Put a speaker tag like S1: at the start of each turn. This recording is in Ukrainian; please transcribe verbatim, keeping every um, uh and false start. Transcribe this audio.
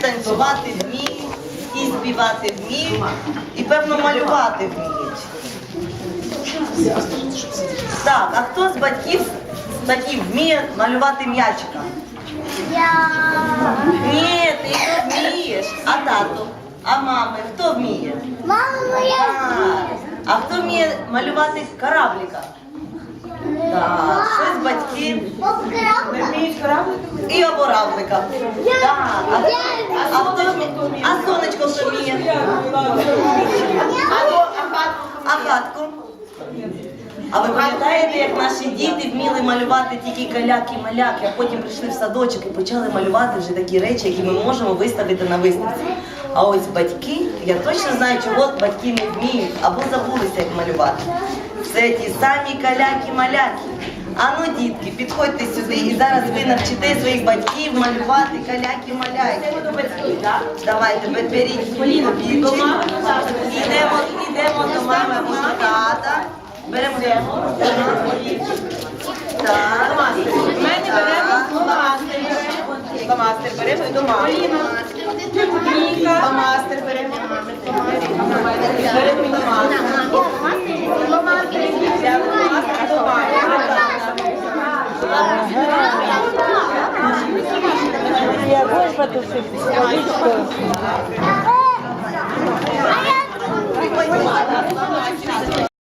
S1: танцювати вміють, і співати вміють, і, певно, малювати вміють. Так, а хто з батьків, з батьків вміє малювати м'ячика?
S2: Я.
S1: Ні, ти не вмієш. А тато? А мами? Хто вміє?
S2: Мама моя.
S1: Так. А хто вміє малювати кораблика? Так, щось батьки
S2: Покрабка.
S1: і оборавлика. Так. А, а хто вміє? А сонечко хто вміє? А хатку? А ви пам'ятаєте, як наші діти вміли малювати тільки каляки-маляки, а потім прийшли в садочок і почали малювати вже такі речі, які ми можемо виставити на виставці. А ось батьки, я точно знаю, чого батьки не вміють або забулися, як малювати. Це ті самі каляки-маляки. Ану, дітки, підходьте сюди і зараз ви навчите своїх батьків малювати каляки-маляки. Давайте, беріть Поліну, йдемо, йдемо до мами або до тата. Беремо так.
S3: Мене беремо фломастер. Фломастер беремо і до мами. Фломастер беремо. Беремо і до мами. Фломастер до мами.
S4: Я будешь потушить?
S2: А я.